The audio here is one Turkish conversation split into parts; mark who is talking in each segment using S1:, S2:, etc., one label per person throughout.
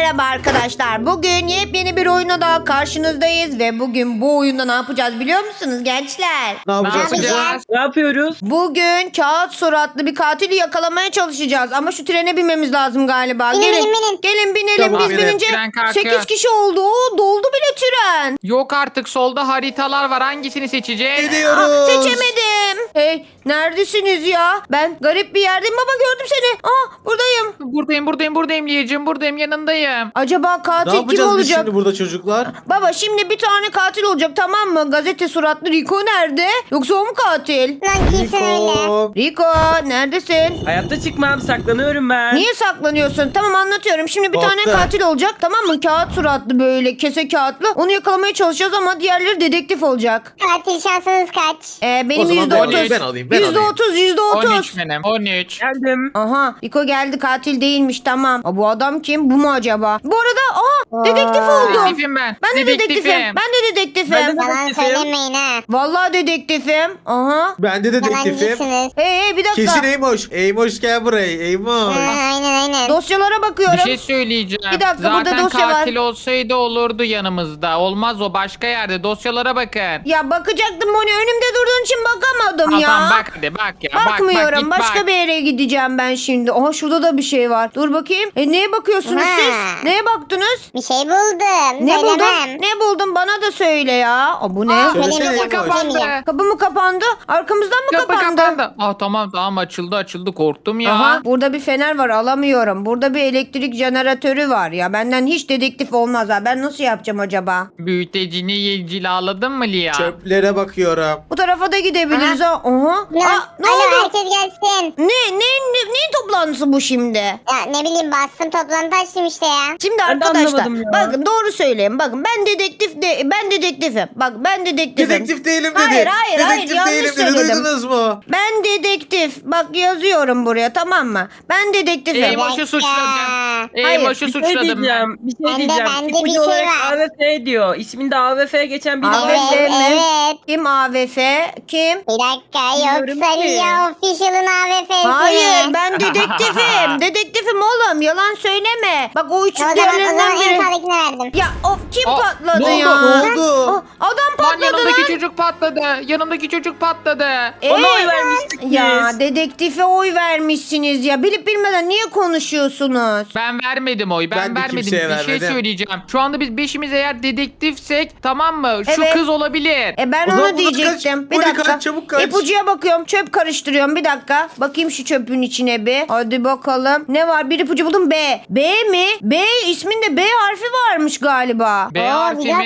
S1: merhaba arkadaşlar. Bugün yepyeni bir oyuna daha karşınızdayız ve bugün bu oyunda ne yapacağız biliyor musunuz gençler?
S2: Ne yapacağız kızım?
S3: Ne yapıyoruz?
S1: Bugün kağıt suratlı bir katili yakalamaya çalışacağız ama şu trene binmemiz lazım galiba.
S4: Binin,
S1: Gelin,
S4: binin.
S1: gelin binelim.
S2: Tamam,
S1: Biz
S2: binelim.
S1: binince
S3: Tren kalkıyor.
S1: 8 kişi oldu. Oo, doldu bile tren.
S3: Yok artık solda haritalar var. Hangisini seçeceğiz?
S2: Gidiyoruz.
S1: Seçemedim. Hey, neredesiniz ya? Ben garip bir yerdeyim. Baba gördüm seni. Buradayım.
S3: Buradayım Liyeciğim. Buradayım, yanındayım.
S1: Acaba
S2: Ne
S1: katil kim
S2: yapacağız biz
S1: olacak?
S2: şimdi burada çocuklar?
S1: Baba şimdi bir tane katil olacak, tamam mı? Gazete suratlı Rico nerede? Yoksa o mu katil?
S4: Lan kesin öyle.
S2: Niko.
S1: Rico neredesin?
S5: Hayatta çıkmam, saklanıyorum ben.
S1: Niye saklanıyorsun? Tamam anlatıyorum. Şimdi bir tane
S2: Korktu.
S1: katil olacak, tamam mı? Kağıt suratlı böyle kese kağıtlı. Onu yakalamaya çalışacağız ama diğerleri dedektif olacak.
S4: Katil şansınız kaç?
S1: Benim
S2: O zaman
S1: %30.
S2: ben alayım, ben alayım.
S1: %30, %30.
S3: 13 benim. 13.
S5: Geldim.
S1: Aha Rico geldi, katil değilmiş, tamam. Bu adam kim? Bu mu acaba? Bu arada dedektif oldum.
S3: Dedektifim ben.
S1: Ben de dedektifim. Ben de dedektifim.
S5: Ben de-
S4: Yalan
S5: Dedektifim.
S4: söylemeyin ha.
S1: Vallahi dedektifim. Aha.
S2: Ben de dedektifim.
S4: Yalancısınız.
S1: Hey bir dakika.
S2: Kesin Eymoş. Eymoş gel buraya. Eymoş.
S4: Aynen.
S1: Dosyalara bakıyorum.
S3: Bir şey söyleyeceğim.
S1: Bir dakika, burada
S3: Zaten
S1: dosya var.
S3: katil olsaydı olurdu yanımızda. Olmaz, o başka yerde. Dosyalara bakın.
S1: Ya bakacaktım Moni, önümde durduğun için bakamadım ya.
S3: Tamam bak hadi bak ya.
S1: Bakmıyorum.
S3: Git
S1: Başka
S3: bak.
S1: bir yere gideceğim ben şimdi. Aha şurada da bir şey var. Dur bakayım. Neye bakıyorsunuz
S4: Ha.
S1: siz? Neye baktınız?
S4: Bir şey buldum.
S1: Ne buldun?
S4: Söylemem.
S1: Ne buldun? Bana da söyle ya. Bu ne?
S2: Söylesene
S4: Benim
S2: Eymoş.
S3: kapandı.
S1: Kapı mı kapandı? Arkamızdan mı
S3: Kapı
S1: kapandı?
S3: kapandı. Tamam açıldı korktum ya.
S1: Aha burada bir fener var, alamıyorum. Burada bir elektrik jeneratörü var ya. Benden hiç dedektif olmaz ha. Ben nasıl yapacağım acaba?
S3: Büyütecini cilaladın mı Lia?
S2: Çöplere bakıyorum.
S1: Bu tarafa da gidebiliriz ha. Aha.
S4: Lan,
S1: Ne
S4: alo,
S1: oldu?
S4: herkes gelsin.
S1: Neyin toplantısı bu şimdi?
S4: Ya ne bileyim bastım toplantı açtım işte ya.
S1: Şimdi
S5: Ben de
S1: arkadaşlar
S5: anlamadım ya.
S1: bakın doğru söyleyeyim. Bakın ben dedektifim. Bak ben dedektifim.
S2: Dedektif değilim dedi.
S1: Hayır,
S2: Dedektif
S1: yanlış
S2: değilim dedi.
S1: söyledim.
S2: Duydunuz mu?
S1: Ben dedektif. Bak yazıyorum buraya, tamam mı? Ben dedektifim.
S3: Eymoş'u suçladım.
S1: Hayır,
S3: Eymoş'u
S5: Bir şey
S3: suçladım ben.
S5: diyeceğim. Bir şey
S4: Bende-
S5: diyeceğim.
S4: bende
S5: İpucu
S4: bir şey
S5: olarak
S4: var.
S5: AVF diyor. İsminde AVF geçen bir
S1: AVF
S4: Evet,
S1: mi?
S4: evet.
S1: Kim AVF? Kim?
S4: Bir dakika
S5: Bilmiyorum
S4: yoksa
S5: ki.
S4: Lia Official'ın AVF'si.
S1: Hayır, ben dedektifim. Dedektifim oğlum, yalan söyleme. Bak o
S4: O
S1: üçlük
S4: zaman
S1: diğerlerinden
S4: en
S1: biri.
S4: sağdakine verdim.
S1: Ya of, kim
S3: Aa,
S1: patladı
S3: ne oldu?
S1: ya?
S2: Ne oldu?
S1: Adam
S3: Lan
S1: patladı
S3: yanındaki
S1: lan.
S3: çocuk patladı. Yanındaki çocuk patladı.
S5: Ona oy vermiştik
S1: Ya
S5: biz.
S1: dedektife oy vermişsiniz ya. Bilip bilmeden niye konuşuyorsunuz?
S3: Ben vermedim oy.
S2: Ben
S3: Ben
S2: de
S3: vermedim.
S2: kimseye
S3: Bir şey
S2: vermedim.
S3: söyleyeceğim. Şu anda biz beşimiz eğer dedektifsek, tamam mı? Şu
S1: Evet.
S3: kız olabilir.
S1: Ben
S2: O zaman
S1: onu
S2: bunu
S1: diyecektim.
S2: kaç,
S1: Bir
S2: Moni
S1: dakika.
S2: kaç, çabuk kaç.
S1: İpucuya bakıyorum. Çöp karıştırıyorum. Bir dakika. Bakayım şu çöpün içine bir. Hadi bakalım. Ne var? Bir ipucu buldum. B. B mi? B isminde B harfi varmış galiba.
S3: B
S4: Bir
S3: harfi mi?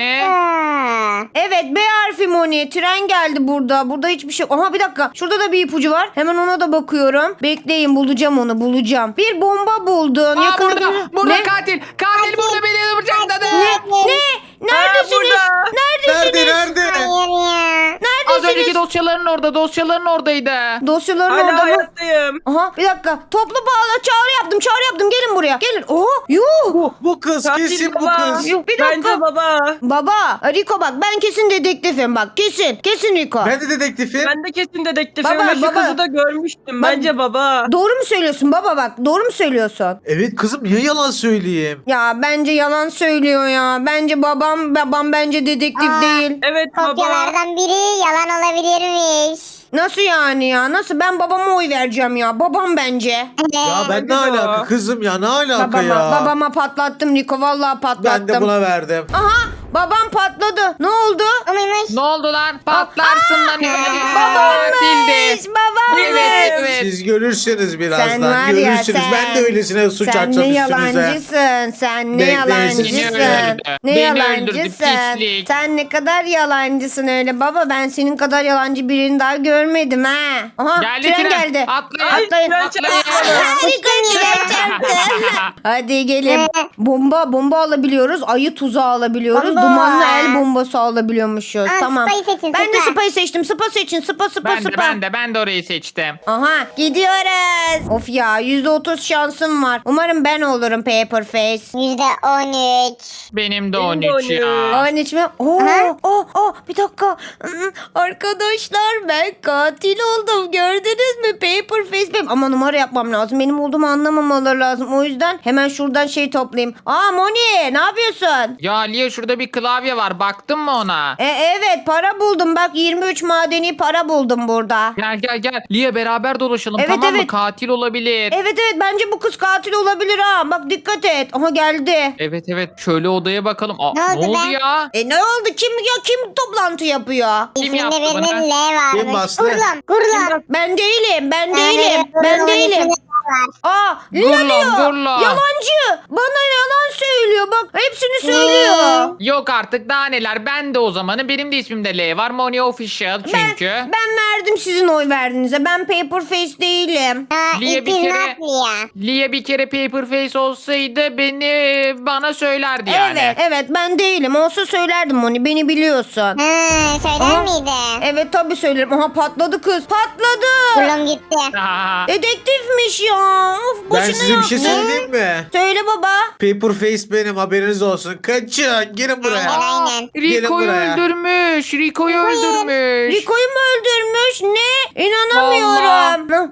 S4: dakika.
S1: Evet, B harfi Moni. Tren geldi burada. Burada hiçbir şey. Aha bir dakika. Şurada da bir ipucu var. Hemen ona da bakıyorum. Bekleyin, bulacağım onu. Bulacağım. Bir bomba buldun.
S3: Aa,
S1: Yakında
S3: burada
S1: Ne?
S3: katil. Katil burada beni bıçakladı.
S1: Ne? Neredesiniz?
S5: burada.
S1: Neredesiniz?
S2: Nerede?
S4: Hayır ya.
S3: Az önceki
S1: Neredesiniz?
S3: dosyaların oradaydı.
S1: Dosyaların
S5: Hala
S1: orada mı?
S5: hayattayım.
S1: Aha bir dakika. Toplu bağla, çağrı yaptım. Gelin buraya. Gelin. Yuh.
S2: Bu kız.
S5: Katil
S2: Kesin bu
S5: baba.
S2: kız.
S1: Yok, bir dakika.
S5: Bence baba.
S1: Baba, Rico bak, ben kesin dedektifim bak. Kesin Rico.
S2: Ben de dedektifim.
S5: Ben de kesin dedektifim
S1: Baba,
S5: ve şu
S1: baba.
S5: kızı da görmüştüm.
S1: Bak-
S5: Bence baba.
S1: Doğru mu söylüyorsun baba bak? Doğru mu söylüyorsun?
S2: Evet kızım, niye yalan söyleyeyim?
S1: Ya bence yalan söylüyor ya. Bence babam bence dedektif değil.
S5: Evet baba.
S4: Kopyalardan biri yalan olabilirmiş.
S1: Nasıl yani ya? Nasıl? Ben babama oy vereceğim ya. Babam bence.
S2: Ya ben
S5: Bence
S2: ne
S5: de o.
S2: alaka kızım ya, ne alaka ya?
S1: Babama patlattım Rico. Vallahi patlattım.
S2: Ben de buna verdim.
S1: Aha, babam patladı. Ne oldu?
S4: O muymuş?
S3: Ne oldu lan? Patlarsın lan.
S1: Babammış. Babammış.
S3: Evet.
S2: Siz görürsünüz birazdan.
S1: Sen var ya
S2: Görürsünüz.
S1: sen.
S2: Ben de öylesine suç
S1: Sen
S2: açacağım
S1: ne
S2: üstünüze.
S1: yalancısın. Sen ne
S2: Bekleyin,
S1: yalancısın.
S3: seni öldürdü.
S1: Ne
S3: Beni öldürdü,
S1: yalancısın.
S3: pislik.
S1: Sen ne kadar yalancısın öyle. Baba ben senin kadar yalancı birini daha görmedim ha. Aha
S3: Geldi
S1: tren
S3: tren.
S1: geldi.
S3: Atlayın.
S1: Atlayın.
S5: Tren
S3: Atlayın.
S1: Harika tren çarptı. Hadi gelin. Bomba alabiliyoruz. Ayı tuzağı alabiliyoruz. dumanlı el bombası alabiliyormuşuz.
S4: Aa,
S1: Tamam.
S4: Spy'ı seçin,
S1: Ben de
S4: Spy.
S1: Spy seçtim. Spy seçin. Spy.
S3: Ben de orayı seçtim.
S1: Aha gidiyoruz. Of ya %30 şansım var. Umarım ben olurum Paperface.
S4: %13.
S3: Benim de
S5: Benim de
S3: 13 ya.
S1: 13 mi? Bir dakika. Arkadaşlar ben katil oldum. Gördünüz mü? Paperface benim. Ama numara yapmam lazım. Benim olduğumu anlamamaları lazım. O yüzden hemen şuradan şey toplayayım. Moni ne yapıyorsun?
S3: Ya Lia şurada bir klavye var. Baktın mı ona?
S1: Evet para buldum. Bak 23 madeni para buldum burada.
S3: Gel. Lia beraber dolaşalım,
S1: Evet,
S3: tamam mı?
S1: evet.
S3: Katil olabilir.
S1: Evet bence bu kız katil olabilir ha. Bak dikkat et. Aha geldi.
S3: Evet. Şöyle odaya bakalım.
S4: Ne oldu
S3: oldu
S4: be?
S3: ya?
S1: Ne oldu? Kim toplantı yapıyor?
S3: Kim
S4: İsminde
S3: yaptı bunu?
S4: birinin L varmış.
S2: Kim bastı?
S4: Gurlam.
S1: Ben değilim. Ben
S4: Gurlam'ın
S1: değilim.
S4: isminde L var.
S1: Lila diyor.
S3: Gurla.
S1: Yalancı. Bana yalan söylüyor. Bak hepsini söylüyor.
S3: Yok artık daha neler. Ben de o zamanı. Benim de ismimde L var. Moni Official çünkü.
S1: Ben verdim sizin oy verdiğinize. Ben Paperface değilim.
S3: Lia
S4: It
S3: bir
S4: is
S3: kere-
S4: not Lia.
S3: Lia bir kere Paperface olsaydı bana söylerdi yani.
S1: Evet ben değilim. Olsa söylerdim Moni. Beni biliyorsun.
S4: Söyler
S1: Aha.
S4: miydi?
S1: Evet tabii söylerim. Aha patladı kız. Patladı.
S4: Gurlam gitti.
S3: Aa,
S1: Dedektifmiş ya. Of,
S2: Ben
S1: boşuna
S2: size bir şey
S1: yaptım.
S2: söyleyeyim mi?
S1: Söyle baba.
S2: Paperface benim, haberiniz olsun. Kaçın. Gelin buraya.
S4: Aynen.
S3: Rico'yu
S2: buraya.
S3: öldürmüş. Rico'yu öldürmüş.
S1: Rico'yu mu öldürmüş? Ne? İnanamıyorum.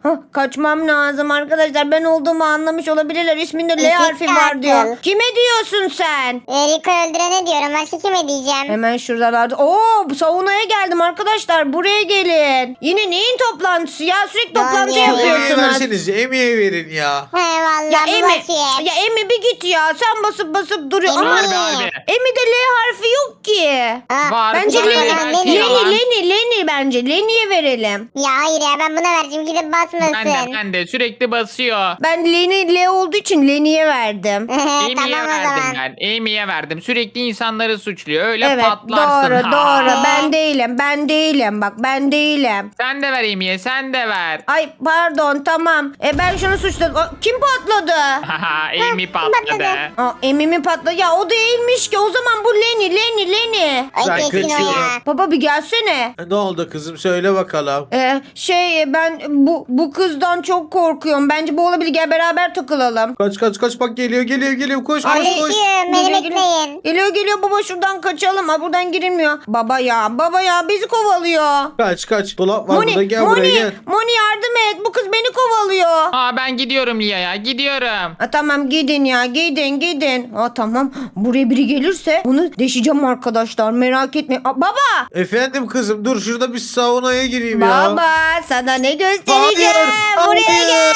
S1: Kaçmam lazım arkadaşlar. Ben olduğumu anlamış olabilirler. İsminde L
S4: Ezik
S1: harfi var diyor.
S4: katil.
S1: Kime diyorsun sen?
S4: Rico'yu öldürene diyorum. Başka kime diyeceğim?
S1: Hemen şuradalarda. Saunaya geldim arkadaşlar. Buraya gelin. Yine neyin toplantısı ya? Sürekli toplantı
S4: oluyor?
S2: Emiye
S1: yapıyorsunuz.
S2: verseniz. Emiye verin ya.
S4: He valla
S1: Ya
S4: bu
S1: Emi,
S4: basıyor.
S1: ya Emi bir git ya. Sen basıp duruyor.
S4: Emi.
S1: Ama
S3: Abi.
S1: Emi'de L harfi yok ki.
S3: Var.
S1: Bence
S3: var,
S1: Leni,
S3: belki yalan.
S1: Leni bence. Leni'ye verelim.
S4: Ya hayır ya ben buna vereceğim. Gidip basmasın.
S3: Ben de sürekli basıyor.
S1: Ben Leni L olduğu için Leni'ye verdim.
S3: Amy'ye
S4: Tamam o
S3: verdim
S4: zaman.
S3: ben. Amy'ye verdim. Sürekli insanları suçluyor. Öyle
S1: Evet
S3: patlarsın.
S1: doğru. Ben değilim. Bak ben değilim.
S3: Sen de ver Amy'ye, sen de ver.
S1: Ay pardon tamam. Ben şunu suçladım. Kim patladı?
S3: Amy patladı.
S1: Emi mi patladı? Ya o değilmiş ki. O zaman bu Leni.
S4: Ay
S2: Ben
S4: kesin o
S2: kaçıyorum.
S4: ya.
S1: Baba bir gelsene.
S2: Ne oldu kızım? Söyle bakalım.
S1: Ben bu kızdan çok korkuyorum. Bence bu olabilir. Gel beraber takılalım.
S2: Kaç bak geliyor. Koş.
S4: Kardeşim beni bekleyin.
S1: Geliyor baba şuradan kaçalım. Buradan girilmiyor. Baba ya bizi kovalıyor.
S2: Kaç. Dolap var burada. Gel buraya gel.
S1: Moni yardım et. Bu kız beni kovalıyor.
S3: Ben gidiyorum Lia'ya, gidiyorum.
S1: Tamam gidin ya gidin. Tamam buraya biri gelirse onu deşeceğim arkadaşlar merak etmeyin. Baba.
S2: Efendim kızım, dur şurada bir saunaya gireyim ya.
S1: Baba sana ne göstereceğim.
S2: Hayır,
S1: Buraya gel.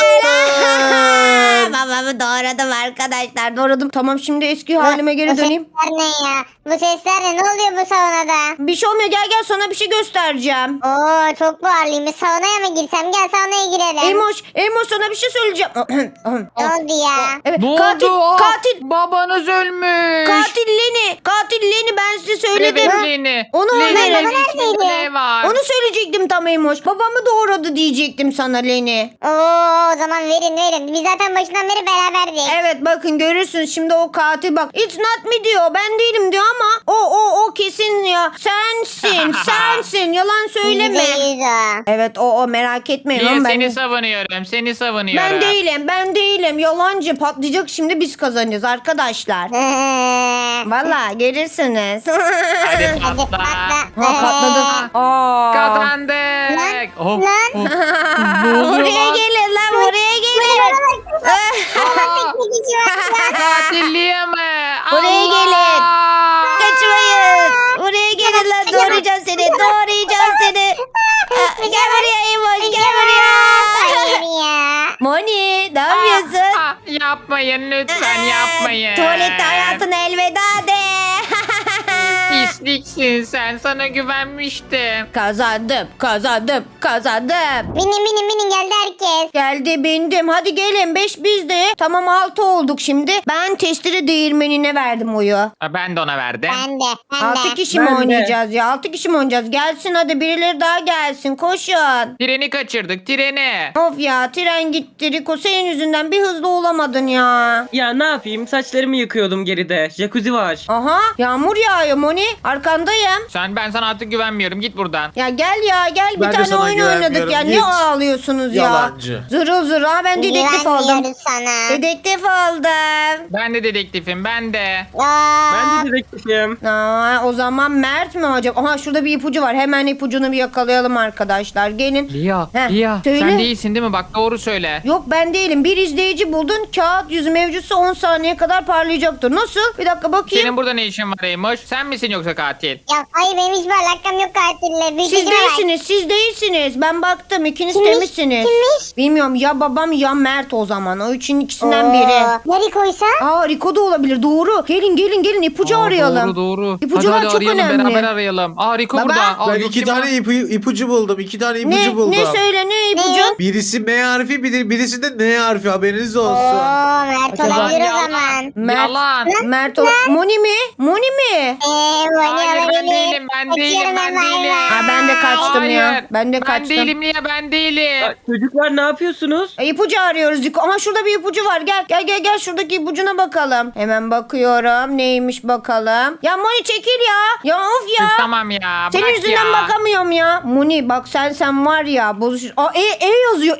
S2: hayır.
S1: Babamı doğradım arkadaşlar doğradım. Tamam şimdi eski halime geri döneyim.
S4: Bu sesler ne ya? Bu sesler ne? Ne oluyor bu saunada?
S1: Bir şey olmuyor gel sana bir şey göstereceğim.
S4: Oo çok buharlıymış. Saunaya mı girsem? Gel saunaya girelim.
S1: Emoş sana bir şey söyleyeceğim.
S4: Ne oldu ya?
S1: Evet,
S3: Ne
S1: katil,
S3: oldu?
S1: katil,
S3: Babanız ölmüş.
S1: katil Leni ben size söyledim.
S3: Evet Leni.
S1: Onu
S3: Leni,
S1: verin.
S3: Leni,
S4: Neredeydi?
S3: ne var?
S1: Onu söyleyecektim tam Emoş. Babamı doğradı diyecektim sana Leni.
S4: Oo o zaman verin. Biz zaten başından beri beraberdik.
S1: Evet bakın görürsünüz şimdi o katil bak. It's not me diyor ben değilim diyor ama o kesin ya. Sensin yalan söyleme.
S4: %100 o.
S1: Evet o merak etmeyin
S3: Lia,
S1: oğlum ben.
S3: seni savunuyorum.
S1: Ben değilim yalancı patlayacak şimdi biz kazanacağız arkadaşlar. Valla gelirsiniz.
S3: Hadi
S4: Hadi
S3: patla.
S4: patla.
S1: Patladı.
S3: Kazandık. Oh,
S4: Lan.
S3: Ne oluyor
S1: Buraya
S3: lan?
S1: gelin lan buraya gelin.
S3: Katil Lia mı?
S1: Buraya
S3: Allah!
S1: gelin. Kaçmayın. Buraya gelin lan doğrayacağım seni. Gel buraya Emoş gel buraya.
S4: Hayır ya.
S1: Moni ne yapıyorsun?
S3: Yapmayın lütfen yapmayın.
S1: Tuvalette hayatına elveda de.
S3: Pis Pisliksin sen. Sana güvenmiştim.
S1: Kazandım.
S4: Binin geldi herkes.
S1: Geldi bindim. Hadi gelin 5 bizde. Tamam 6 olduk şimdi. Ben testere değirmenine verdim oyu.
S3: Ha, ben de ona verdim.
S4: Ben de.
S1: 6 kişi mi
S5: Ben de.
S1: oynayacağız ya? 6 kişi mi oynayacağız? Gelsin hadi birileri daha gelsin. Koşun.
S3: Treni kaçırdık treni.
S1: Of ya tren gitti. Riko senin yüzünden bir hızlı olamadın ya.
S5: Ya ne yapayım? Saçlarımı yıkıyordum geride. Jacuzzi var.
S1: Aha yağmur yağıyor Moni. Arkandayım.
S3: Ben sana artık güvenmiyorum. Git buradan.
S1: Ya gel ya gel bir
S2: Ben de
S1: tane
S2: sana
S1: oyun oynadık
S2: güvenmiyorum.
S1: ya. Ne
S2: Git.
S1: ağlıyorsunuz ya?
S2: Yalancı.
S1: Zırıl zırıl. Ha ben dedektif oldum.
S4: Güvenmiyoruz sana.
S1: Dedektif oldum.
S3: Ben de dedektifim ben de.
S4: Aa,
S5: Ben de dedektifim.
S1: O zaman Mert mi acaba? Aha şurada bir ipucu var. Hemen ipucunu bir yakalayalım arkadaşlar. Gelin.
S3: Lia,
S1: Heh,
S3: Lia
S1: söyle.
S3: sen değilsin değil mi? Bak doğru söyle.
S1: Yok ben değilim. Bir izleyici buldun. Kağıt yüzü mevcutsa 10 saniye kadar parlayacaktır. Nasıl? Bir dakika bakayım.
S3: Senin burada ne işin var Eymoş? Sen misin yoksa katil?
S4: ya hayır benim hiçbir alakam yok katille. Bir
S1: Siz
S4: fikrim var.
S1: değilsiniz. Siz değilsiniz. Ben baktım. İkiniz
S4: Kimmiş?
S1: temizsiniz.
S4: Kimmiş?
S1: Bilmiyorum ya babam ya Mert o zaman. O üçün ikisinden
S4: Oo,
S1: biri.
S4: Nereye koysa?
S1: Aa Rico da olabilir. Doğru. Gelin ipucu
S3: Aa,
S1: arayalım.
S3: Doğru.
S1: İpucular
S3: hadi
S1: çok
S3: arayalım
S1: önemli.
S3: beraber arayalım. Aa Rico
S1: Baba.
S3: burada. Aa,
S2: Ben
S3: yok,
S2: 2
S3: kim
S2: tane
S3: o?
S2: ipucu buldum. 2 tane ipucu
S1: Ne
S2: buldum.
S1: söyle ne ipucu?
S2: Birisi M harfi birisi de N harfi haberiniz olsun.
S4: Oo Mert
S5: Acaba-
S4: olabilir o
S3: Yalan.
S4: zaman.
S3: Yalan.
S1: Mert Moni mi? Moni mi?
S4: Vani
S3: Hayır
S4: olabilir.
S3: ben değilim ben değilim ben değilim.
S1: Ha, ben de kaçtım ya.
S3: Hayır.
S1: Ben de kaçtım.
S3: Ben değilim Lia ben değilim.
S5: Ya, çocuklar ne yapıyorsunuz?
S1: İpucu arıyoruz Rico. Aha şurada bir ipucu var. Gel şuradaki ipucuna bakalım. Hemen bakıyorum. Neymiş bakalım. Ya Moni çekil ya. Ya of ya.
S3: Sus, tamam ya.
S1: Senin
S3: bırak
S1: yüzünden
S3: ya.
S1: bakamıyorum ya. Moni bak sen var ya bozuş. Aa yazıyor.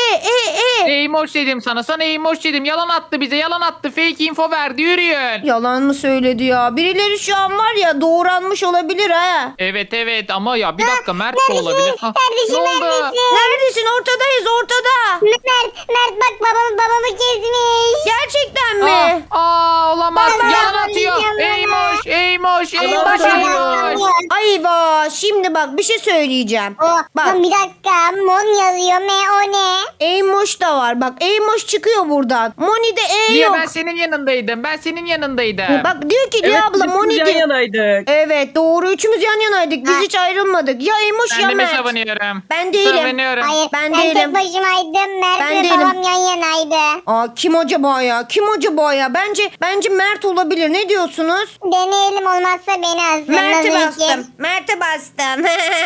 S3: Eymoş dedim sana. Sana Eymoş dedim. Yalan attı bize. Yalan attı. Fake info verdi. Yürüyün.
S1: Yalan mı söyledi ya? Birileri şu an var ya doğranmış olabilir ha.
S3: Evet ama ya bir dakika Mert de olabilir. Ha,
S4: Kardeşim
S3: ne oldu?
S4: neredesin?
S1: Neredesin? Ortadayız ortada.
S4: Mert bak babamı kesmiş.
S1: Gerçekten mi?
S3: Olamaz.
S4: Ben
S3: Yalan
S4: yalan
S3: atıyor.
S4: diyeceğim
S3: Eymoş.
S1: Bak, Ayva şimdi bak bir şey söyleyeceğim.
S4: Oh,
S1: Bak
S4: bir dakika. Mon yazıyor. O ne?
S1: Eymoş da var. Bak Eymoş çıkıyor buradan. Moni'de E
S3: Niye
S1: yok.
S3: ben senin yanındaydım? Ben senin yanındaydım.
S1: Bak diyor ki
S5: Evet
S1: Lia abla
S5: biz
S1: Moni
S5: yan
S1: diyor.
S5: yanaydık.
S1: Evet doğru üçümüz yan yanaydık. Biz
S4: Ha.
S1: hiç ayrılmadık. Ya Eymoş
S3: Ben
S1: ya
S3: de mi
S1: Mert.
S3: savunuyorum?
S1: Ben değilim.
S3: Savunuyorum.
S4: Hayır
S1: Ben
S4: ben
S1: değilim.
S4: tek başımaydım. Mert
S1: Ben
S4: ve
S1: değilim.
S4: babam yan yanaydı.
S1: Aa kim acaba ya? Kim acaba ya? Bence Mert olabilir. Ne diyorsunuz?
S4: Deneyelim olmazsa beni alsın.
S1: Mert'e
S4: Nasıl
S1: bastım.
S4: fikir?
S1: Mert'e bastım.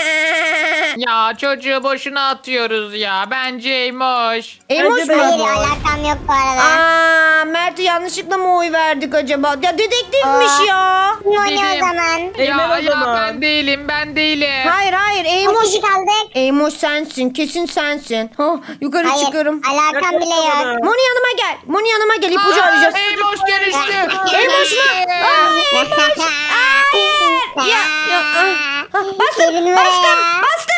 S3: Ya çocuğu boşuna atıyoruz ya. Bence Eymoş.
S1: Eymoş
S5: Bence de
S1: mu?
S4: Hayır
S5: Eymoş.
S4: alakam yok bu arada.
S1: Aa Mert'e yanlışlıkla mı oy verdik acaba? Ya dedektifmiş
S4: Aa.
S1: ya.
S4: Mon o
S3: Dedim.
S4: zaman.
S5: Eymen o zaman.
S3: Ben değilim.
S1: Hayır
S4: Kaç
S1: Eymoş.
S4: kişi kaldık?
S1: Eymoş sensin. Kesin sensin. Ha, yukarı
S4: Hayır
S1: çıkıyorum.
S4: alakam bile yok.
S1: Moni yanıma gel. Moni yanıma gel. İpucu arayacağız.
S3: Eymoş dönüştü.
S1: Eymoş mu? Hayır. Bastım.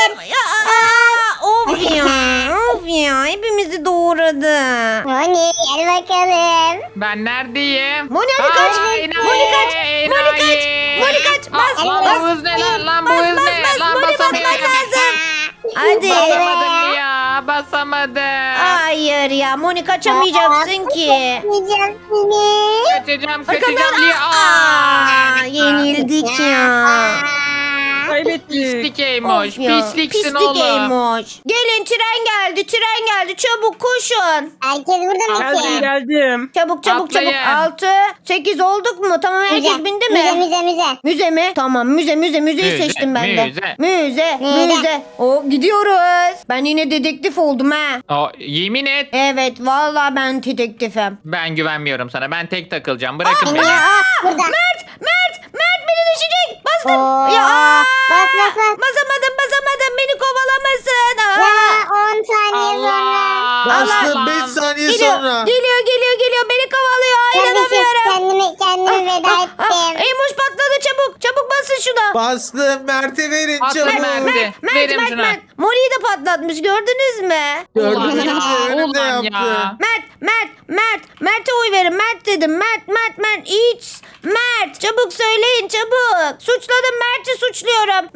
S1: Of ya. Hepimizi doğradı.
S4: Moni gel bakalım.
S3: Ben neredeyim?
S1: Moni hadi kaç.
S3: Enayi,
S1: Moni kaç.
S3: enayi.
S1: Moni kaç. Bas.
S3: Lan
S1: Bas.
S3: bu hız ne lan? Lan bu hız ne? Lan
S1: Moni basmak
S3: basamıyorum.
S1: lazım. Hadi.
S3: Basamadım ya. Basamadım.
S1: Hayır ya Moni kaçamayacaksın ki.
S4: Yiyeceğim seni.
S3: Kaçacağım Lia.
S1: Yenildik ya.
S5: Kaybettik.
S3: Pislik Eymoş.
S1: Of ya,
S3: Pisliksin
S1: pislik
S3: oğlum.
S1: Eymoş. Gelin tren geldi. Çabuk koşun.
S4: Herkes burada mı ki?
S5: Geldim.
S1: Çabuk.
S3: Atlayın.
S1: 6, 8 olduk mu? Tamam herkes bindi mi?
S4: Müze.
S1: Müze mi? Tamam müzeyi
S3: Müze,
S1: seçtim ben de.
S3: müze.
S1: Müze. O gidiyoruz. Ben yine dedektif oldum ha.
S3: Yemin et.
S1: Evet vallahi ben dedektifim.
S3: Ben güvenmiyorum sana. Ben tek takılacağım. Bırakın beni.
S4: Burada.
S1: Mert beni düşecek. Bastım.
S4: Oo.
S1: Ya.
S4: Bas.
S1: Basamadım. Beni kovalamasın.
S4: Ya 10 saniye sonra.
S2: Bastım
S3: Allah.
S2: 5 saniye
S1: Geliyor,
S2: sonra.
S1: geliyor. Beni kovalıyor. İnanamıyorum.
S4: Kendimi veda ettim.
S1: Eymuş patladı çabuk. Çabuk basın şuna.
S2: Bastım Mert'e verin
S3: Atla
S2: çabuk.
S3: Mert'e. Verim şuna.
S1: Mert. Moni'yi de patlatmış gördünüz mü?
S2: Gördüm
S3: Ulan ya,
S2: önümde
S3: ulan
S2: yaptı.
S3: ya.
S1: Mert'e oy verin. Mert dedim. Mert. It's Mert. Çabuk söyleyin çabuk. Suçladım Mert'i suçluyorum.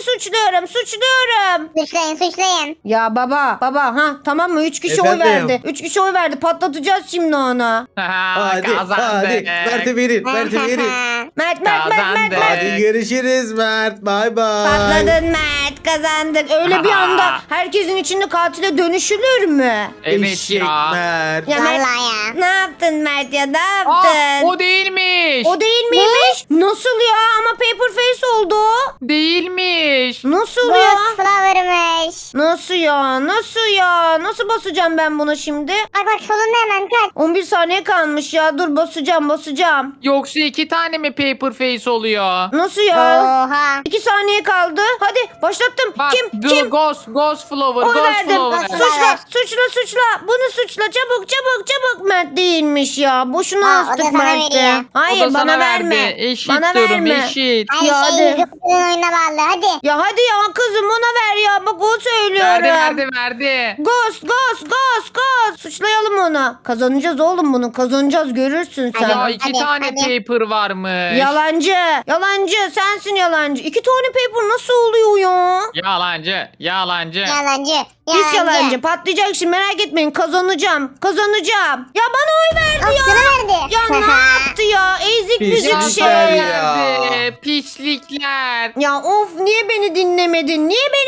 S4: Suçlayın.
S1: Ya baba ha tamam mı? 3 kişi oy
S2: Efendim?
S1: verdi. 3 kişi oy verdi. Patlatacağız şimdi onu.
S2: Hadi
S3: Kazandı.
S2: Mert'e verin.
S1: Mert.
S3: Kazandık.
S2: Hadi görüşürüz Mert. Bay bay.
S1: Patladın Mert, kazandık. Öyle bir anda herkesin içinde katile dönüşülür mü?
S3: Evet
S2: Eşek
S3: ya.
S2: Mert.
S1: Ya Mert,
S4: Vallahi ya.
S1: ne yaptın Mert ya, ne
S3: Aa,
S1: yaptın?
S3: o değilmiş.
S1: O değil miymiş? Nasıl ya? Ama paper face oldu o.
S3: Değilmiş.
S1: Nasıl ya?
S4: Ghost Flower'mış.
S1: Nasıl ya? Nasıl ya? Nasıl basacağım ben buna şimdi?
S4: Bak solunda hemen kaç.
S1: 11 saniye kalmış ya. Dur basacağım.
S3: Yoksa 2 tane mi paper face oluyor?
S1: Nasıl ya?
S4: Oha.
S1: 2 saniye kaldı. Hadi başlattım.
S3: Bak,
S1: Kim?
S3: the
S1: Kim?
S3: Ghost Flower.
S1: Oy
S3: Ghost
S1: verdim.
S3: Flower.
S1: Suçla. Bunu suçla. Çabuk. Mert değilmiş ya. Boşuna
S4: Aa, o da
S1: astık
S4: sana
S1: Mert'e.
S4: veriyor.
S1: Hayır
S3: O da
S1: bana
S3: sana
S1: verme.
S3: verdi. Eşit
S1: Bana
S3: durum
S1: verme.
S3: eşit.
S4: Her
S1: Ya
S4: şey
S1: hadi.
S4: Jupiter'ın oyuna bağlı. Hadi.
S1: Ya hadi ya kızım ona ver ya. Bak o söylüyorum.
S3: Verdi.
S1: Ghost. Suçlayalım onu. Kazanacağız oğlum bunu. Kazanacağız görürsün sen.
S3: Ya 2
S4: Hadi,
S3: tane
S4: hadi.
S3: paper varmış.
S1: Yalancı. Sensin yalancı. 2 tane paper nasıl oluyor ya?
S3: Yalancı.
S4: Yalancı.
S1: Pis yalancı. Patlayacak şimdi merak etmeyin. Kazanacağım. Ya bana oy verdi ya.
S4: Sana verdi.
S1: Ya ne yaptı ya? Ezik
S2: Pis
S1: büzük
S3: Ya
S2: Pislik
S1: şey.
S2: ya.
S3: verdi. Pislikler.
S1: Ya of niye beni dinlemedin?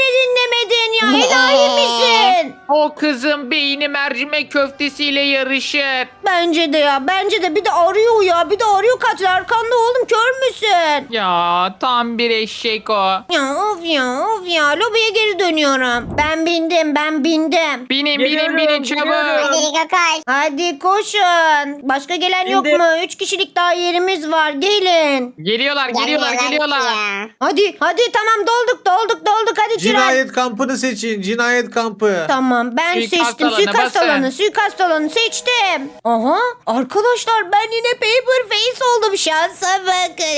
S1: Ya enayi misin?
S3: O kızın beyni mercimek köftesiyle yarışır.
S1: Bence de bir de arıyor ya. Katil arkanda oğlum kör müsün?
S3: Ya tam bir eşek o.
S1: Ya of ya. Lobiye geri dönüyorum. Ben bindim.
S3: Binin
S5: Geliyorum,
S3: çabuk.
S5: geliyorum.
S4: Hadi Rico koş.
S1: Hadi koşun. Başka gelen yok
S5: Bindim.
S1: mu? 3 kişilik daha yerimiz var. Gelin.
S3: Geliyorlar.
S4: Gelmiyorlar ya.
S1: Hadi tamam dolduk. Hadi Çırak.
S2: Cinayet kampını seçin. Cinayet kampı.
S1: Tamam ben
S3: Suikast
S1: seçtim.
S3: alanı,
S1: Suikast alanı seçtim. Aha arkadaşlar ben yine paper face oldum. Şansa bakın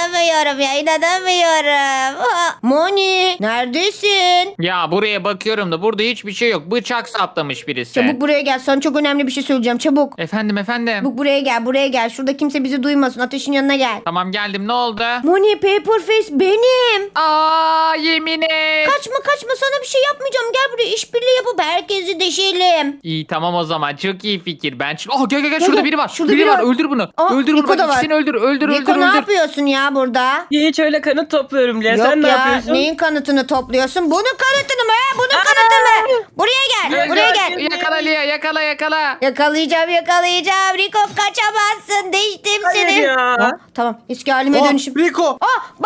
S1: inanamıyorum. Ha, Moni neredesin?
S3: Ya buraya bakıyorum da burada hiçbir şey yok. Bıçak saplamış birisi.
S1: Çabuk buraya gel. Sana çok önemli bir şey söyleyeceğim. Çabuk.
S3: Efendim.
S1: Çabuk buraya gel. Şurada kimse bizi duymasın. Ateşin yanına gel.
S3: Tamam geldim ne oldu?
S1: Moni paper face benim.
S3: Aa yemin et.
S1: Kaçma sana bir şey yapmayacağım. Gel buraya işbirliği yapıp herkesi deşelim.
S3: İyi tamam o zaman çok iyi fikir. Gel şurada biri var.
S1: Şurada
S3: biri
S1: biri
S3: var.
S1: var.
S3: Öldür bunu.
S1: Aa,
S3: Öldür bunu.
S1: Rico
S3: Bak
S1: da var.
S3: ikisini öldür.
S1: Rico ne yapıyorsun ya burada?
S5: Hiç öyle kanıt topluyorum Lia.
S1: Yok
S5: Sen ne
S1: ya
S5: yapıyorsun?
S1: neyin kanıtını topluyorsun? Bunun kanıtını mı? Bunun kanıtı mı? Buraya gel. Buraya gel.
S3: Yakala Lia yakala.
S1: Yakalayacağım. Rico kaçamazsın. Değiştim
S5: Hayır
S1: seni.
S5: ya.
S1: Aa, tamam eski halime
S2: Oh,
S1: dönüşüm.
S2: Rico.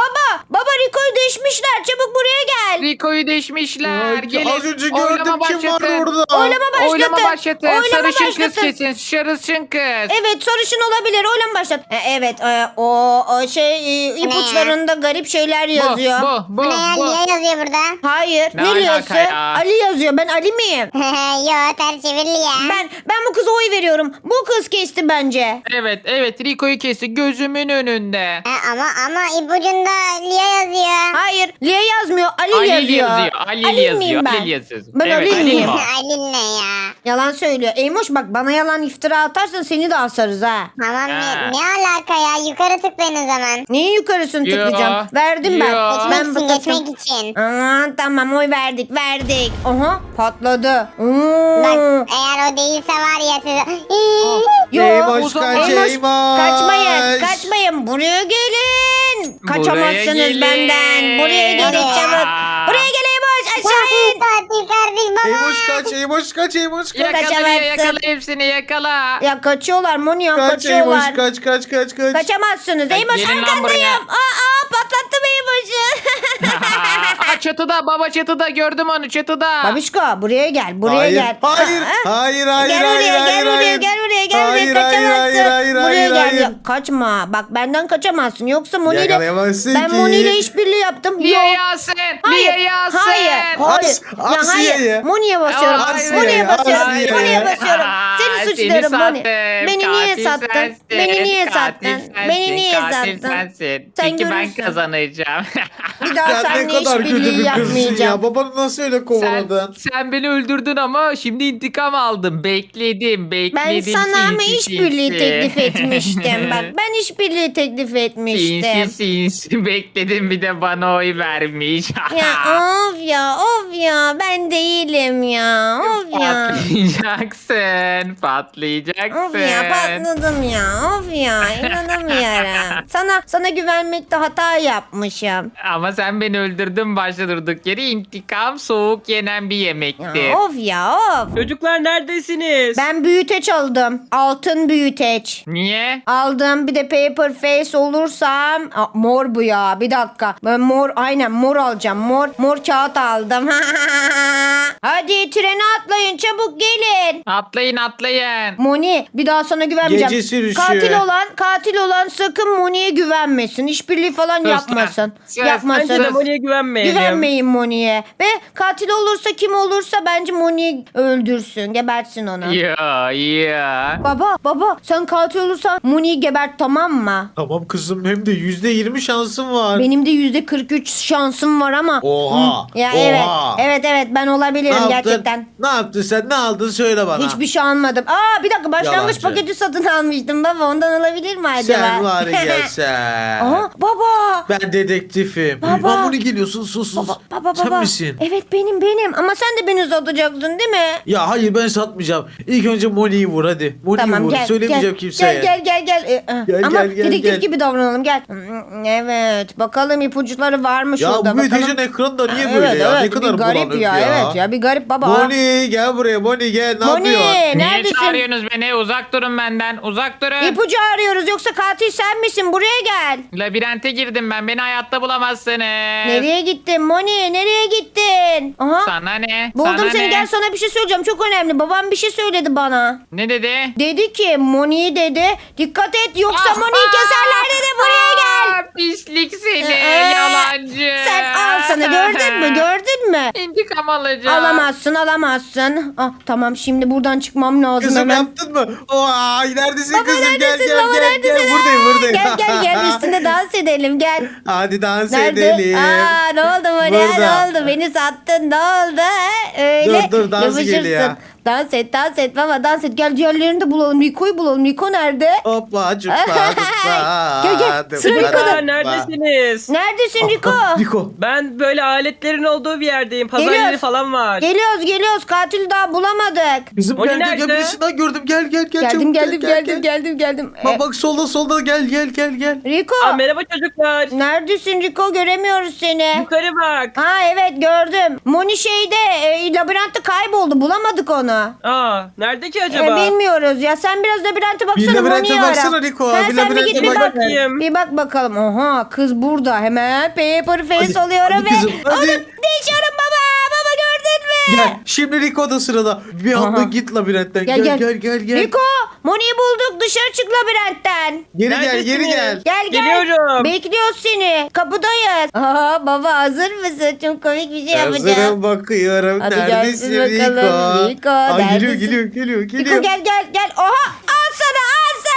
S1: Baba Rico'yu değişmişler. Çabuk buraya gel.
S3: Rico'yu deşmişler.
S2: Ay,
S3: Gelin.
S2: az önce
S3: Oylama
S2: gördüm kim var
S3: başlatın.
S2: orada.
S3: Oylama başlatın.
S1: Oylama
S3: Sarışın kız
S1: başlatın.
S3: kesin. Sarışın kız.
S1: Evet sarışın olabilir. Oylama başlat. Evet o ipuçlarında garip şeyler yazıyor.
S3: Bu.
S4: Ne ya? Lia yazıyor burada.
S1: Hayır.
S3: Ne
S1: Ne
S3: alaka
S1: diyorsun?
S3: ya?
S1: Ali yazıyor. Ben Ali miyim?
S4: Yo ters çevir Lia.
S1: Ben bu kıza oy veriyorum. Bu kız kesti bence.
S3: Evet Rico'yu kesti gözümün önünde.
S4: Ama ipucunda Lia yazıyor.
S1: Hayır. Lia yazmıyor. Ali yazıyor.
S3: Ali
S1: miyim ben?
S3: yazıyor.
S1: Ben
S3: Evet,
S1: Ali
S3: Ali
S1: miyim?
S3: o.
S4: Alin ne ya?
S1: Yalan söylüyor. Eymoş bak bana yalan iftira atarsan seni de asarız ha.
S4: Tamam
S3: Ha.
S4: ne alaka ya? Yukarı tıklayın o zaman.
S1: Neyin yukarısını
S3: Yo,
S1: tıklayacağım? Verdim ben.
S3: yo.
S1: Ben
S4: Geçmek için
S1: bıktım.
S4: geçmek için.
S1: Aman tamam oy verdik. Aha patladı.
S4: Bak eğer o değilse var ya size.
S1: Yo,
S2: Eymoş
S3: o zaman-
S2: kaç
S1: Eymoş,
S2: Eymoş.
S1: kaçmayın. Buraya gelin. Kaçamazsınız
S3: gelin.
S1: benden. Buraya gelin
S4: Buraya.
S1: çabuk. Buraya gel Eymoş aşağı in.
S4: Tatil kardeş baba.
S2: Eymoş kaç.
S3: Yakala
S1: Kaçamazsın.
S3: yakala hepsini yakala.
S1: Ya kaçıyorlar Monya
S2: Kaç Eymoş
S1: kaçıyorlar.
S2: kaç.
S1: Kaçamazsınız. Eymoş
S3: gelin lan
S1: arkandayım.
S3: buraya.
S1: Patlattım Eymoş'u.
S3: Aa, çatıda baba çatıda gördüm onu çatıda.
S1: Babişko buraya gel. Buraya
S2: Hayır,
S1: gel.
S2: hayır,
S1: Aa,
S2: hayır,
S1: Gel buraya.
S2: Hayır,
S1: Kaçamazsın. Buraya
S2: hayır,
S1: gel.
S2: hayır.
S1: Ya, kaçma. Bak benden kaçamazsın. Yoksa Moni ile
S2: Yakalayamazsın
S1: ben
S2: ki.
S1: Moni ile işbirliği yaptım.
S3: Liye
S1: Yok.
S3: Yasin.
S1: Hayır.
S3: Liye Yasin.
S1: Hayır.
S2: As
S1: hayır.
S2: Asiye'ye.
S1: Moni'ye basıyorum.
S3: Asiye'ye,
S1: Moni'ye basıyorum.
S2: Asiye'ye.
S1: Moni'ye basıyorum. Seni
S3: Seni
S1: suçluyorum Moni.
S3: sattım.
S1: Beni niye
S3: Katil
S1: sattın?
S3: sensin.
S1: Beni niye
S3: Katil
S1: sattın?
S3: sensin.
S1: Beni niye
S3: Katil
S1: sattın?
S3: sensin.
S1: Sen
S3: Çünkü ben
S1: görürsün.
S3: kazanacağım.
S1: Bir daha
S2: Ya ne
S1: seninle
S2: kadar kötü
S1: işbirliği
S2: bir kızsın
S1: yapmayacağım.
S2: ya. Babanı nasıl öyle kovaladın?
S3: sen beni öldürdün ama şimdi intikam aldım. Bekledim.
S1: Ben sana ama
S3: sinsi
S1: işbirliği
S3: sinsi.
S1: teklif etmiştim. benim. Bak ben işbirliği teklif etmiştim.
S3: Sinsi bekledim bir de bana oy vermiş.
S1: Ya of ya ben değilim ya. Of ya.
S3: Patlayacaksın. Patlayacaksın.
S1: Of ya patladım ya. Of ya inanamıyorum. Sana güvenmekte hata yapmışım.
S3: Ama sen beni öldürdün başta durduk yere. İntikam soğuk yenen bir yemektir.
S1: Ya, of ya of.
S5: Çocuklar neredesiniz?
S1: Ben büyüteç aldım. Altın büyüteç.
S3: Niye?
S1: Aldım bir de paper face olursam mor bu ya bir dakika ben aynen mor alacağım mor kağıt aldım. Hadi trene atlayın çabuk gelin.
S3: Atlayın.
S1: Moni bir daha sana güvenmeyeceğim.
S2: Gece sürüşü.
S1: Katil olan sakın Moni'ye güvenmesin. İşbirliği falan
S3: Sus
S1: yapmasın.
S3: lan. Sus.
S1: Yapmasın.
S5: Bence de Moni'ye güvenmeyelim.
S1: Güvenmeyin Moni'ye. Ve katil olursa kim olursa bence Moni'yi öldürsün. Gebertsin onu.
S3: Ya.
S1: Baba sen katil olursan Moni'yi gebert tamam mı?
S2: Tamam kızım hem de %20 şansım var.
S1: Benim de %43 şansım var ama.
S2: Oha.
S1: Ya
S2: Oha.
S1: evet ben olabilirim
S2: Ne yaptın?
S1: gerçekten.
S2: Ne yaptın sen? Ne aldın söyle bana.
S1: Hiçbir şey almadım. Bir dakika başlangıç
S2: Yalancı.
S1: paketi satın almıştım baba. Ondan olabilir mi acaba?
S2: Sen var ya sen.
S1: Baba.
S2: Ben dedektifim.
S1: Baba.
S2: Mamuni geliyorsun sus.
S1: Baba.
S2: Sen misin?
S1: Evet benim. Ama sen de beni satacaksın değil mi?
S2: Ya hayır ben satmayacağım. İlk önce Moni'yi vur hadi. Moni'yi
S1: Tamam
S2: vur.
S1: gel.
S2: Söylemeyeceğim kimseye.
S1: Gel. Ama
S2: gel,
S1: dedektif
S2: gel.
S1: gibi davranalım gel. Evet bakalım ipuçları var mı
S2: Ya
S1: şurada
S2: bu
S1: bakalım.
S2: büyütecin ekranda niye böyle ya? Ne kadar
S1: bir garip
S2: bulanık
S1: ya. Evet ya bir garip baba.
S2: Moni gel buraya Moni gel. Ne
S1: Moni
S2: yapıyorsun?
S3: Niye
S1: neredesin?
S3: çağırıyorsunuz beni? Uzak durun benden. Uzak durun.
S1: İpucu arıyoruz yoksa katil sen misin? Buraya gel.
S3: Labirente girdim ben. Beni hayatta bulamazsınız.
S1: Nereye gittin Moni? Nereye gittin? Aha.
S3: Sana ne?
S1: Buldum
S3: Sana
S1: seni
S3: ne?
S1: gel sana bir şey söyleyeceğim çok önemli. Babam bir şey söyledi bana.
S3: Ne dedi?
S1: Dedi ki Moni dedi dikkat et yoksa
S3: Ah,
S1: Moni'yi keserler dedi buraya gel.
S3: Pislik seni.
S1: Ee,
S3: Yalancı.
S1: Sen al sana gördün mü?
S3: İntikam alacağım.
S1: Alamazsın. Tamam şimdi buradan çıkmam lazım
S2: Kızım
S1: hemen.
S2: yaptın mı? Vay neredesin
S1: Baba
S2: kızım?
S1: neredesin?
S2: Gel
S1: Baba
S2: gel
S1: neredesin?
S2: Buradayım.
S1: Gel üstünde dans edelim gel.
S2: Hadi dans
S1: Nerede?
S2: edelim.
S1: Ne oldu Moni?
S2: Burada.
S1: Ne oldu? Beni sattın ne oldu? Öyle.
S2: Dur, dans
S1: yapışırsın.
S2: geliyor.
S1: Dans et baba dans et. Gel diğerlerini de bulalım. Rico'yu bulalım. Rico nerede?
S2: Hoppa cuppa
S1: Gel, sıra Rico'da.
S5: Çocuklar neredesiniz?
S1: Neredesin Rico?
S2: Rico.
S5: Ben böyle aletlerin olduğu bir yerdeyim. Pazar
S1: Geliyoruz.
S5: yeri falan var.
S1: Geliyoruz. Katil daha bulamadık.
S2: Kızım
S5: Moni
S2: gel
S5: nerede?
S2: birisinden gördüm. Gel çabuk,
S1: Geldim.
S2: Bak solda gel.
S1: Rico.
S5: Merhaba çocuklar.
S1: Neredesin Rico? Göremiyoruz seni.
S5: Yukarı bak.
S1: Evet gördüm. Moni labirentte kayboldu. Bulamadık onu.
S5: Nerede ki acaba?
S1: Bilmiyoruz ya. Sen biraz labirente baksana.
S2: Bir labirente
S1: Moni'yi ara.
S2: baksana Rico.
S1: Ha,
S2: Bir
S1: sen bir
S2: labirente
S1: git bir
S2: bak.
S1: bak.
S5: Bakayım.
S1: Bir bak bakalım. Oha kız burada. Hemen paper face
S2: Hadi,
S1: oluyorum
S2: hadi
S1: ve
S2: kızım, hadi.
S1: onu değişiyorum baba. Baba gördün mü?
S2: Gel. Şimdi Rico da sırada. Bir anda
S1: Aha.
S2: git labirentten.
S1: Gel.
S2: Gel.
S1: Rico Moni'yi bulduk. Dışarı çık labirentten.
S2: Geri gel.
S5: Neredesiniz?
S1: Gel.
S5: Geliyorum.
S1: Bekliyoruz seni. Kapıdayız. Baba hazır mısın? Çok komik bir şey yapacağım.
S2: Hazırım bakıyorum.
S1: Hadi
S2: Neredesin
S1: gelsin bakalım. Rico,
S2: Ay,
S1: neredesin?
S2: geliyor.
S1: Rico gel. Oha al sana.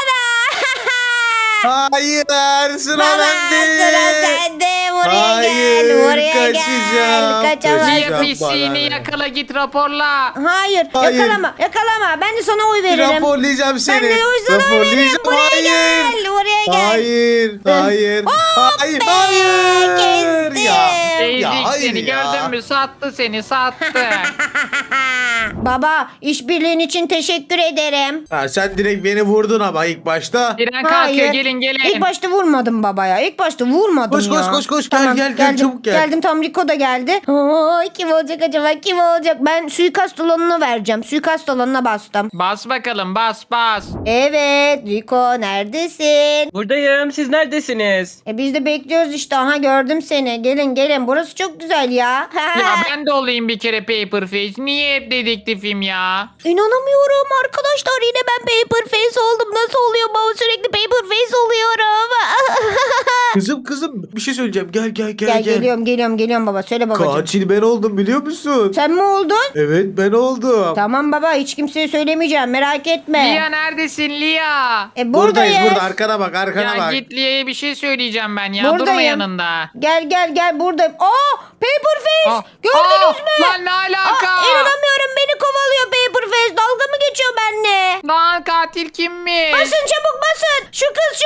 S2: Hayır sıra
S1: Baba
S2: bende.
S1: sıra sende. Buraya
S2: Hayır,
S1: gel. Buraya
S2: kaçacağım.
S1: gel. Kaçamazsın.
S3: Niye
S2: Bana
S3: pisliğini
S2: ne?
S3: yakala git raporla.
S1: Hayır.
S2: Hayır.
S1: Yakalama. Ben de sana oy veririm.
S2: Raporlayacağım seni.
S1: Ben de o yüzden oy veririm.
S2: Raporlayacağım.
S1: Buraya gel. Buraya gel.
S2: Hayır.
S1: be, kestim.
S3: Ezik
S2: hayır
S3: seni
S2: ya.
S3: gördün mü? Sattı seni sattı.
S1: Baba işbirliğin için teşekkür ederim.
S2: Sen direkt beni vurdun ama ilk başta.
S3: Tren kalkıyor gelin.
S1: İlk başta vurmadım baba ya. İlk başta vurmadım
S2: Koş,
S1: ya.
S2: koş. Gel, çabuk gel.
S1: Geldim tam Rico da geldi. Kim olacak acaba? Kim olacak? Ben suikast alanına vereceğim. Suikast alanına bastım.
S3: Bas bakalım bas.
S1: Evet Rico neredesin?
S5: Buradayım. Siz neredesiniz?
S1: Biz de bekliyoruz işte. Aha gördüm seni. Gelin. Burası çok güzel ya.
S3: Ya ben de olayım bir kere Paperface. Niye hep dedektifim ya?
S1: İnanamıyorum arkadaşlar. Yine ben Paperface oldum. Nasıl oluyor baba? Sürekli Paperface oluyorum.
S2: Kızım bir şey söyleyeceğim. Gel.
S1: Geliyorum baba. Söyle babacığım.
S2: Katil ben oldum biliyor musun?
S1: Sen mi oldun?
S2: Evet ben oldum.
S1: Tamam baba hiç kimseye söylemeyeceğim merak etme.
S3: Lia neredesin Lia?
S1: Buradayız.
S2: Buradayız burada arkana bak
S3: Ya
S2: bak.
S3: git Lia'ya bir şey söyleyeceğim ben ya.
S1: Buradayım.
S3: Durma yanında.
S1: Gel buradayım. Paperface
S3: Aa,
S1: gördünüz mü?
S3: Lan ne alaka?
S1: İnanamıyorum beni kovalıyor Paperface. Dalga mı geçiyor benimle?
S3: Lan katil kimmiş?
S1: Basın çabuk basın. Şu kız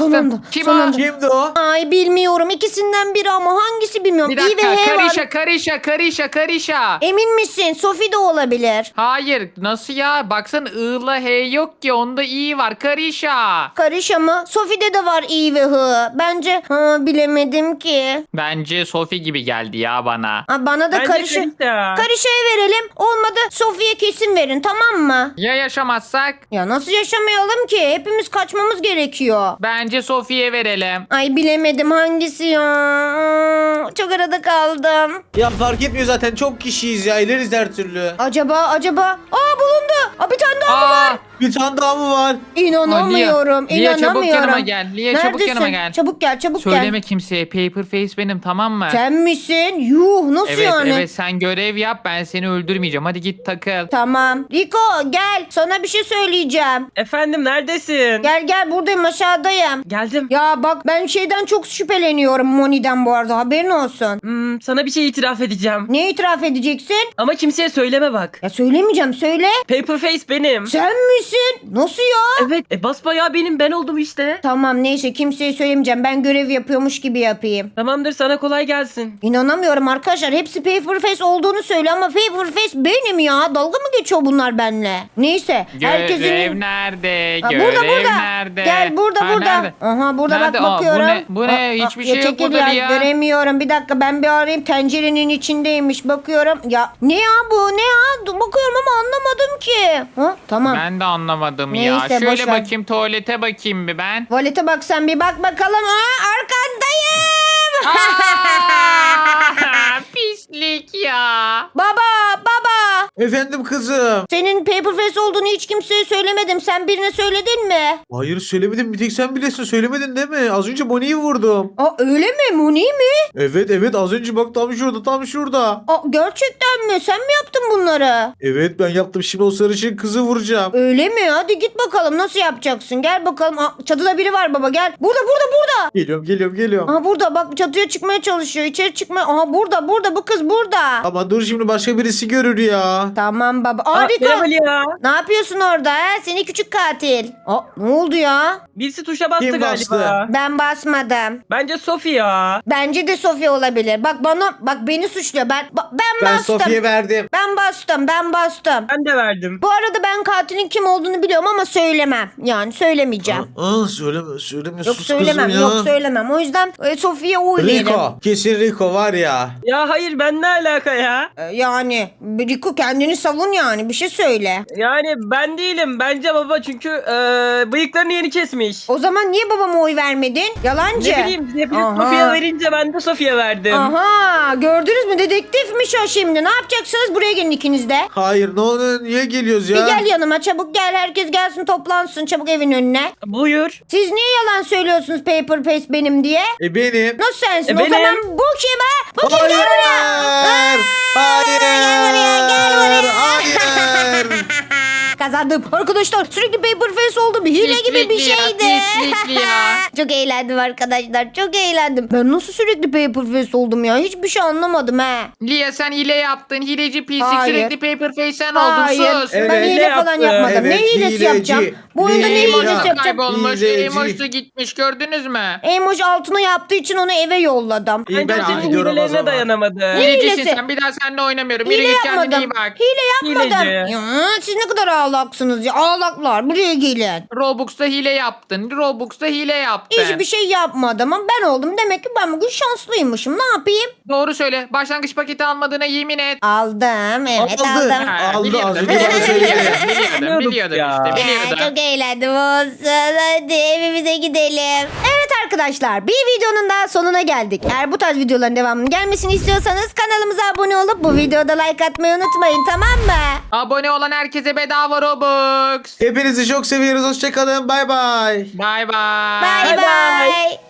S3: bastın?
S1: Sonunda,
S3: Kim
S1: sonunda.
S3: o?
S2: Kimdi o?
S1: Ay bilmiyorum. İkisinden biri ama hangisi bilmiyorum.
S3: Bir
S1: İ ve
S3: dakika.
S1: H var.
S3: Karişa.
S1: Emin misin? Sophie de olabilir.
S3: Hayır. Nasıl ya? Baksana I'la H yok ki. Onda I var. Karişa.
S1: Karışa mı? Sophie'de de var İ ve H. Bence bilemedim ki.
S3: Bence Sophie gibi geldi ya bana.
S1: Ha, bana da
S5: Bence
S1: karışa.
S5: Karışa.
S1: Karışa'ya verelim. Olmadı Sophie'ye kesin verin, tamam mı?
S3: Ya yaşamazsak?
S1: Ya nasıl yaşamayalım ki? Hepimiz kaçmamız gerekiyor.
S3: Bence Sophie'ye verelim.
S1: Ay bilemedim hangisi ya. Çok arada kaldım.
S2: Ya fark etmiyor zaten çok kişiyiz ya. İleriz her türlü.
S1: Acaba. Bulundu. Bir tane daha mı var?
S2: Bir tane daha mı var?
S1: İnanamıyorum.
S3: Lia, çabuk
S1: inanamıyorum.
S3: yanıma gel. Lia, çabuk
S1: Neredesin?
S3: yanıma gel.
S1: Çabuk gel.
S3: Söyleme kimseye. Paper Face benim, tamam mı?
S1: Sen misin? Yuh, nasıl
S3: Evet
S1: yani?
S3: evet, sen görev yap, ben seni öldürmeyeceğim. Hadi git takıl.
S1: Tamam. Rico gel. Sana bir şey söyleyeceğim.
S5: Efendim neredesin?
S1: Gel buradayım, aşağıdayım.
S5: Geldim.
S1: Ya bak, ben şeyden çok şüpheleniyorum, Moni'den bu arada, haberin olsun.
S5: Sana bir şey itiraf edeceğim.
S1: Ne itiraf edeceksin?
S5: Ama kimseye söyleme bak.
S1: Ya söylemeyeceğim, söyle.
S5: Paperface benim.
S1: Sen misin? Nasıl ya?
S5: Evet. Basbayağı benim, ben oldum işte.
S1: Tamam neyse, kimseye söylemeyeceğim. Ben görev yapıyormuş gibi yapayım.
S5: Tamamdır, sana kolay gelsin.
S1: İnanamıyorum arkadaşlar. Hepsi Paperface olduğunu söylüyor ama Paperface benim ya. Dalga mı geçiyor bunlar benimle? Neyse.
S3: Görev nerede?
S1: Ha,
S3: Görev
S1: burada.
S3: nerede?
S1: Gel burada.
S3: Nerede?
S1: Aha burada
S3: Nerede?
S1: bak, bakıyorum.
S3: Bu ne? Hiçbir şey yok
S1: çekil
S3: burada ya.
S1: Göremiyorum. Bir dakika, ben bir arayayım. Tencerenin içindeymiş. Bakıyorum. Ya ne ya bu? Ne ya? Bakıyorum ama anlamadım ki. Ha, tamam.
S3: Ben de anlamadım
S1: Neyse,
S3: ya.
S1: boş
S3: Şöyle
S1: ver.
S3: bakayım, tuvalete bakayım bir ben.
S1: Tuvalete bak, sen bir bak bakalım. Arkandayım.
S3: Aa, pislik ya.
S1: Baba.
S2: Efendim kızım.
S1: Senin Paperface olduğunu hiç kimseye söylemedim. Sen birine söyledin mi?
S2: Hayır söylemedim. Bir tek sen bilesin. Söylemedin değil mi? Az önce Bonnie'yi vurdum.
S1: Öyle mi? Moni mi?
S2: Evet az önce bak tam şurada.
S1: Gerçekten mi? Sen mi yaptın bunları?
S2: Evet ben yaptım. Şimdi o sarışın kızı vuracağım.
S1: Öyle mi? Hadi git bakalım, nasıl yapacaksın? Gel bakalım. Çatıda biri var baba, gel. Burada.
S2: Geliyorum.
S1: Aha burada bak, çatıya çıkmaya çalışıyor. İçeri çıkmaya. Aha burada, bu kız burada.
S2: Ama dur şimdi başka birisi görür ya.
S1: Tamam baba.
S5: Merhaba
S1: Rico.
S5: Lia.
S1: Ne yapıyorsun orada he? Seni küçük katil. Ne oldu ya?
S5: Birisi tuşa bastı
S2: Kim bastı?
S5: galiba.
S1: Ben basmadım.
S5: Bence Sophie ya.
S1: Bence de Sofya olabilir. Bak beni suçluyor. Ben
S2: Ben
S1: bastım.
S2: Sofi'ye verdim.
S1: Ben bastım.
S5: Ben de verdim.
S1: Bu arada ben katilin kim olduğunu biliyorum ama söylemem. Yani söylemeyeceğim.
S2: Söyleme
S1: Yok
S2: sus
S1: söylemem.
S2: kızım ya.
S1: Yok söylemem. O yüzden Sofya'ya oy veririm.
S2: Rico. Kesin Rico var ya.
S5: Ya hayır, ben ne alaka ya?
S1: Yani Rico, kendini savun yani. Bir şey söyle.
S5: Yani ben değilim. Bence baba, çünkü bıyıklarını yeni kesmiş.
S1: O zaman niye babama oy vermedin? Yalancı.
S5: Ne bileyim, hepiniz
S1: Aha.
S5: Sophia'ya verince ben de Sophia'ya verdim.
S1: Aha, gördünüz mü? Dedektifmiş o şimdi. Ne yapacaksınız? Buraya gelin ikiniz de.
S2: Hayır ne oluyor? Niye geliyoruz ya?
S1: Bir gel yanıma, çabuk gel. Herkes gelsin, toplansın çabuk evin önüne.
S5: Buyur.
S1: Siz niye yalan söylüyorsunuz Paperface benim diye?
S2: Benim.
S1: Nasıl sensin? O
S5: Benim.
S1: zaman bu kim ha? Bu kim? Gel buraya.
S2: Hayır.
S1: Gel buraya.
S2: Hayır.
S1: Kazandım. Arkadaşlar sürekli Paperface oldum. Hile gibi bir
S3: Pislikli ya,
S1: şeydi.
S3: pislikli ya.
S1: Çok eğlendim arkadaşlar. Çok eğlendim. Ben nasıl sürekli Paperface oldum ya? Hiçbir şey anlamadım he.
S3: Lia, sen hile yaptın. Hileci pislik,
S1: Hayır.
S3: sürekli paper face sen
S1: Hayır.
S3: oldun. Sus.
S2: Evet.
S1: Ben hile
S5: Ne
S1: falan
S5: yaptı?
S1: yapmadım. Ne
S2: Evet,
S1: hilesi
S2: hileci.
S1: yapacağım? Bu oyunda ne
S2: Hileci.
S1: hilesi
S3: Emoji
S1: yapacağım?
S3: kaybolmuş.
S2: Hileci.
S3: Emoji da gitmiş, gördünüz mü?
S1: Emoji altına yaptığı için onu eve yolladım.
S2: İyi,
S5: Bence
S2: ben
S5: senin
S2: gidiyorum o
S5: hilelerine
S2: zaman.
S5: dayanamadı.
S3: Hilecisin
S1: hilesi?
S3: sen, bir daha seninle oynamıyorum.
S1: Hile
S3: Yürü git, kendine iyi
S1: yapmadım.
S3: bak.
S1: Hile yapmadım.
S5: Hileci.
S1: Ya, siz ne kadar ağlaksınız ya. Ağlaklar. Buraya gelin.
S3: Robux'ta hile yaptın. Robux'ta hile yaptın.
S1: Hiçbir şey yapmadım ama ben oldum. Demek ki ben bugün şanslıymışım. Ne yapayım?
S3: Doğru söyle. Başlangıç paketi almadığına yemin et.
S1: Aldım. Evet
S2: Aldı.
S1: aldım.
S3: Ha,
S2: Aldı,
S3: biliyordum,
S2: az önce
S3: biliyordum,
S2: bana söyledi.
S3: biliyordum, biliyordum
S5: Ya.
S3: işte,
S1: Ya,
S3: biliyordum.
S1: çok eğlendim olsun. Hadi evimize gidelim. Evet arkadaşlar, bir videonun daha sonuna geldik. Eğer bu tarz videoların devamının gelmesini istiyorsanız kanalımıza abone olup bu videoda like atmayı unutmayın, tamam mı?
S3: Abone olan herkese bedava Robux.
S2: Hepinizi çok seviyoruz. Hoşçakalın. Bay bay.
S3: Bay bay.
S1: Bye bye.